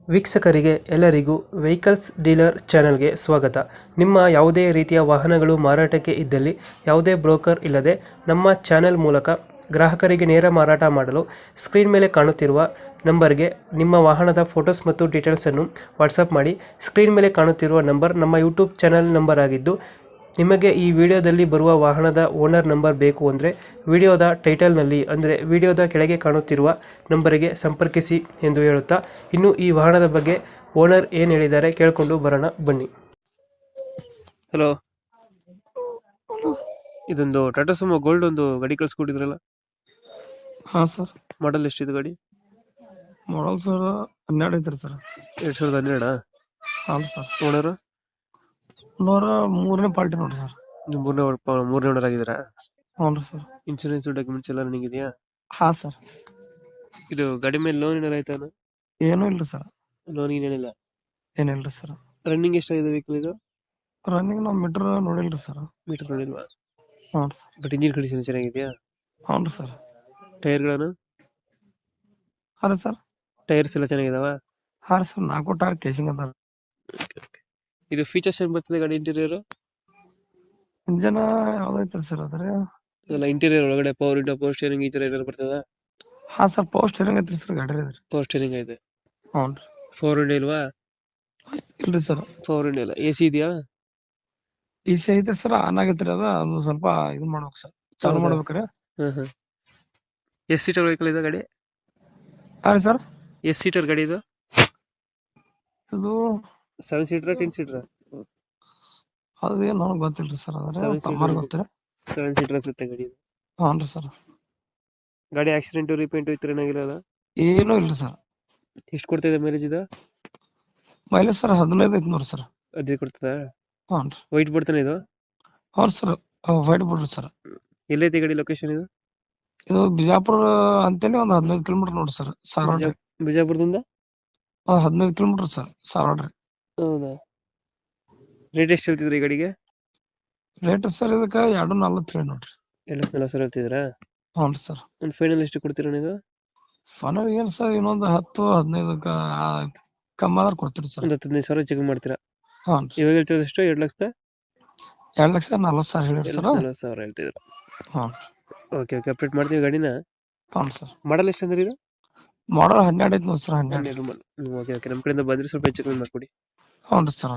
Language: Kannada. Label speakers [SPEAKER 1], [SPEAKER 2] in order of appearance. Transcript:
[SPEAKER 1] ವೀಕ್ಷಕರಿಗೆ ಎಲ್ಲರಿಗೂ ವೆಹಿಕಲ್ಸ್ ಡೀಲರ್ ಚಾನೆಲ್ಗೆ ಸ್ವಾಗತ. ನಿಮ್ಮ ಯಾವುದೇ ರೀತಿಯ ವಾಹನಗಳು ಮಾರಾಟಕ್ಕೆ ಇದ್ದಲ್ಲಿ ಯಾವುದೇ ಬ್ರೋಕರ್ ಇಲ್ಲದೆ ನಮ್ಮ ಚಾನೆಲ್ ಮೂಲಕ ಗ್ರಾಹಕರಿಗೆ ನೇರ ಮಾರಾಟ ಮಾಡಲು ಸ್ಕ್ರೀನ್ ಮೇಲೆ ಕಾಣುತ್ತಿರುವ ನಂಬರ್ಗೆ ನಿಮ್ಮ ವಾಹನದ ಫೋಟೋಸ್ ಮತ್ತು ಡೀಟೇಲ್ಸನ್ನು ವಾಟ್ಸಪ್ ಮಾಡಿ. ಸ್ಕ್ರೀನ್ ಮೇಲೆ ಕಾಣುತ್ತಿರುವ ನಂಬರ್ ನಮ್ಮ ಯೂಟ್ಯೂಬ್ ಚಾನೆಲ್ ನಂಬರ್ ಆಗಿದ್ದು, ನಿಮಗೆ ಈ ವಿಡಿಯೋದಲ್ಲಿ ಬರುವ ವಾಹನದ ಓನರ್ ನಂಬರ್ ಬೇಕು ಅಂದರೆ ವಿಡಿಯೋದ ಟೈಟಲ್ನಲ್ಲಿ ಅಂದರೆ ವಿಡಿಯೋದ ಕೆಳಗೆ ಕಾಣುತ್ತಿರುವ ನಂಬರಿಗೆ ಸಂಪರ್ಕಿಸಿ ಎಂದು ಹೇಳುತ್ತಾ, ಇನ್ನು ಈ ವಾಹನದ ಬಗ್ಗೆ ಓನರ್ ಏನು ಹೇಳಿದ್ದಾರೆ ಕೇಳಿಕೊಂಡು ಬರೋಣ ಬನ್ನಿ. ಹಲೋ, ಇದೊಂದು ಟಾಟಾ ಸುಮೋ ಗೋಲ್ಡ್ ಒಂದು ಗಾಡಿ ಕಳ್ಸ್ಕೊಟ್ಟಿದ್ರಲ್ಲ,
[SPEAKER 2] ಹಾ ಸರ್.
[SPEAKER 1] ಮಾಡಲ್ ಎಷ್ಟಿದೆ ಗಾಡಿ?
[SPEAKER 2] ಮಾಡಲ್ ಸರ್ 12 ಐತ್ರಿ ಸರ್.
[SPEAKER 1] 2012.
[SPEAKER 2] ಹೌದು ಸರ್.
[SPEAKER 1] ಓನರ್
[SPEAKER 2] ಮೂರನೇ ಪಾರ್ಟಿ ನೋಡ್ರಿ ಸರ್.
[SPEAKER 1] ಮೂರನೇ ಓನರ್ ಆಗಿದ್ದೀರಾ?
[SPEAKER 2] ಹೌದು ಸರ್.
[SPEAKER 1] ಇನ್ಶೂರೆನ್ಸ್ ಡಾಕ್ಯುಮೆಂಟ್ಸ್ ಎಲ್ಲ ರನ್ನಿಂಗ್ ಇದೆಯಾ?
[SPEAKER 2] ಹಾ ಸರ್.
[SPEAKER 1] ಇದು ಗಾಡಿ ಮೇಲೆ ಲೋನ್ ಏನಾರ ಆಯ್ತಾನ?
[SPEAKER 2] ಏನೂ ಇಲ್ರಿ ಸರ್.
[SPEAKER 1] ಲೋನ್ ಏನಿಲ್ಲ.
[SPEAKER 2] ಏನಿಲ್ರಿ ಸರ್.
[SPEAKER 1] ರನ್ನಿಂಗ್ ಎಷ್ಟಾಗಿದೆ ವೆಹಿಕಲ್ ಇದು?
[SPEAKER 2] ರನ್ನಿಂಗ್ ನಾವು ಮೀಟರ್ ನೋಡಿಲ್ರಿ ಸರ್.
[SPEAKER 1] ಮೀಟರ್ ನೋಡಿಲ್ವಾ?
[SPEAKER 2] ಹ್ಞೂ ಸರ್.
[SPEAKER 1] ಬಟ್ ಇಂಜಿನ್ ಕಂಡೀಷನ್ ಚೆನ್ನಾಗಿದೆಯಾ?
[SPEAKER 2] ಹೌದು ಸರ್.
[SPEAKER 1] ಟೈರ್ಗಳನ್ನು?
[SPEAKER 2] ಹಾ ಸರ್.
[SPEAKER 1] ಟೈರ್ಸ್ ಎಲ್ಲ ಚೆನ್ನಾಗಿದಾವ?
[SPEAKER 2] ಹಾ ಸರ್. 4 ಟೈರ್ ಕೇಸಿಂಗ್ ಅದ.
[SPEAKER 1] ಇದು ಫೀಚರ್ಸ್ ಏನ್ ಬರ್ತದೆ ಗಾಡಿ ಇಂಟೀರಿಯರ್?
[SPEAKER 2] ಇಂಜನ್ ಯಾವ್ದೈತ್ರಿ ಸರ್ ಅದ್ರ?
[SPEAKER 1] ಅದೆಲ್ಲ ಇಂಟೀರಿಯರ್ ಒಳಗಡೆ ಪವರ್ ವಿಂಡೋ, ಪವರ್ ಸ್ಟೇರಿಂಗ್ ಈ ತರ ಏನಾರು ಬರ್ತದ?
[SPEAKER 2] ಹಾ ಸರ್. ಪವರ್ ಸ್ಟೇರಿಂಗ್ ಐತ್ರಿ ಸರ್ ಗಾಡಿ ಐತ್ರಿ.
[SPEAKER 1] ಪವರ್ ಸ್ಟೇರಿಂಗ್ ಐತೆ.
[SPEAKER 2] ಹ್ಞೂ ರೀ.
[SPEAKER 1] ಪವರ್ ವಿಂಡೋ ಇಲ್ವಾ?
[SPEAKER 2] ಇಲ್ರಿ ಸರ್.
[SPEAKER 1] ಪವರ್ ವಿಂಡೋ ಇಲ್ಲ. ಎಸಿ ಇದೆಯಾ?
[SPEAKER 2] ಈಸಿ ಐತೆ ಸರ್. ಆನ್ ಆಗೈತ್ರಿ ಅದು ಸ್ವಲ್ಪ ಇದು ಮಾಡ್ಬೇಕು ಸರ್. ಚಾಲು ಮಾಡ್ಬೇಕ್ರಿ.
[SPEAKER 1] ಎಸ್ ಸೀಟರ್ ವೆಹಿಕಲ್ ಇದೆ ಗಾಡಿ?
[SPEAKER 2] ಹಾ ರೀ ಸರ್.
[SPEAKER 1] ಎಸ್ ಸೀಟರ್ ಗಾಡಿ ಇದು?
[SPEAKER 2] ಇದು
[SPEAKER 1] 7 ಸೀಟರ್ 10 ಸೀಟರ್?
[SPEAKER 2] ಅದೇನು ನನಗೆ ಗೊತ್ತಿಲ್ರಿ ಸರ್. ಅದ್ರ
[SPEAKER 1] 7
[SPEAKER 2] ತಮ್ಮಾರ್ ಗೊತ್ತಿರ.
[SPEAKER 1] 7 ಸೀಟರ್ ಅನ್ಸುತ್ತೆ ಗಾಡಿ ಇದು.
[SPEAKER 2] ಹ್ಞೂ ರೀ ಸರ್.
[SPEAKER 1] ಗಾಡಿ ಆಕ್ಸಿಡೆಂಟ್ ರಿಪೇಂಟ್ ಇತ್ತು ಏನಾಗಿರಲ್ಲ?
[SPEAKER 2] ಏನೂ ಇಲ್ರಿ ಸರ್.
[SPEAKER 1] ಎಷ್ಟು ಕೊಡ್ತಾ ಇದೆ ಮೈಲೇಜ್ ಇದು?
[SPEAKER 2] ಮೈಲೇಜ್ ಸರ್ 15 ಐತಿ ನೋಡ್ರಿ ಸರ್.
[SPEAKER 1] ಅದೇ ಕೊಡ್ತದ?
[SPEAKER 2] ಹ್ಞೂ ರೀ.
[SPEAKER 1] ವೈಟ್ ಬರ್ತಾನೆ ಇದು?
[SPEAKER 2] ಹೌದು ಸರ್. ವೈಟ್ ಬಿಡ್ರಿ ಸರ್.
[SPEAKER 1] ಎಲ್ಲೈತಿ ಗಾಡಿ ಲೊಕೇಶನ್ ಇದು?
[SPEAKER 2] ಇದು ಬಿಜಾಪುರ ಅಂತೇಳಿ ಒಂದು 15 ಕಿಲೋಮೀಟರ್ ನೋಡ್ರಿ ಸರ್. ಸಾರವಾಡ ರೀ.
[SPEAKER 1] ಬಿಜಾಪುರದಿಂದ
[SPEAKER 2] 15 ಕಿಲೋಮೀಟರ್ ಸರ್. ಸಾರವಾಡ ರೀ.
[SPEAKER 1] ಹೌದಾ? ರೇಟ್ ಎಷ್ಟು ಹೇಳ್ತಿದ್ರಿ ಈ ಗಾಡಿಗೆ?
[SPEAKER 2] ರೇಟ್ ಸರ್ ಇದಕ್ಕೆ 2.40 ನೋಡ್ರಿ.
[SPEAKER 1] 2.40 ಹೇಳ್ತಿದ್ರಾ?
[SPEAKER 2] ಹ್ಞೂ ಸರ್.
[SPEAKER 1] ಒಂದು ಫೈನಲ್ ಎಷ್ಟು ಕೊಡ್ತೀರಾ ನೀವು?
[SPEAKER 2] ಫೈನಲ್ ಏನು ಸರ್, ಇನ್ನೊಂದು 10-15 ಕಮ್ಮಿ ಆದ್ರೆ ಕೊಡ್ತೀರಿ ಸರ್.
[SPEAKER 1] ಒಂದು 15,000 ಚೆಕ್ ಮಾಡ್ತೀರಾ?
[SPEAKER 2] ಹ್ಞೂ ರೀ.
[SPEAKER 1] ಇವಾಗ ಹೇಳ್ತಿರೋದು ಎಷ್ಟು?
[SPEAKER 2] 2,40,000 ಹೇಳಿರಿ ಸರ್.
[SPEAKER 1] 2,40,000 ಹೇಳ್ತಿದ್ರು.
[SPEAKER 2] ಹ್ಞೂ.
[SPEAKER 1] ಓಕೆ ಓಕೆ, ಅಪ್ಡೇಟ್ ಮಾಡ್ತೀವಿ ಗಾಡಿನ.
[SPEAKER 2] ಹ್ಞೂ ಸರ್.
[SPEAKER 1] ಮಾಡಲ್ ಎಷ್ಟು ಅಂದ್ರೆ ಇದು?
[SPEAKER 2] ಮಾಡಲ್ 12 ಐತಿ ನೋಡಿ ಸರ್. 12.
[SPEAKER 1] ಓಕೆ ಓಕೆ, ನಮ್ಮ ಕಡೆಯಿಂದ ಬಂದ್ರೆ ಸ್ವಲ್ಪ ಹೆಚ್ಚು ಕಮ್ಮಿ ಮಾಡ್ಕೊಡಿ.
[SPEAKER 2] ಹ್ಞೂ ರೀ ಸರ್.